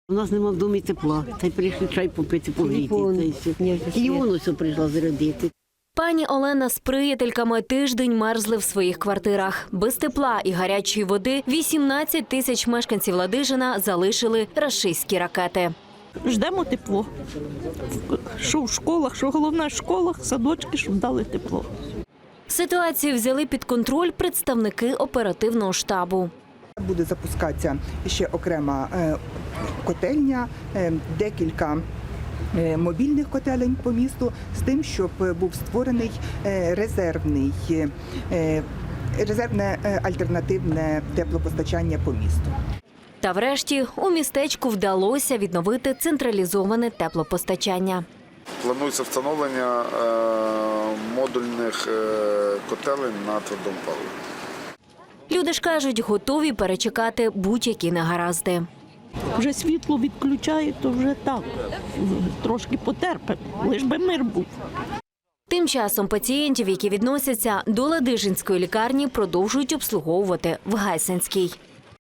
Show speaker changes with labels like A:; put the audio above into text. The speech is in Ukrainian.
A: У нас нема в домі тепла, та й прийшли чай попити, погріти. Телефон ось прийшла зарядити.
B: Пані Олена з приятельками тиждень мерзли в своїх квартирах. Без тепла і гарячої води 18 тисяч мешканців Ладижина залишили рашистські ракети.
C: Ждемо тепло. Що в школах, що головне в школах, садочки, щоб дали тепло.
B: Ситуацію взяли під контроль представники оперативного штабу.
D: Буде запускатися ще окрема котельня, декілька мобільних котелень по місту з тим, щоб був створений резервне альтернативне теплопостачання по місту.
B: Та врешті у містечку вдалося відновити централізоване теплопостачання.
E: Планується встановлення модульних котелень на твердому паливі.
B: Люди ж кажуть, готові перечекати будь-які негаразди.
C: Вже світло відключають, то вже так, трошки потерпимо, лиш би мир був.
B: Тим часом пацієнтів, які відносяться до Ладижинської лікарні, продовжують обслуговувати в Гайсинській.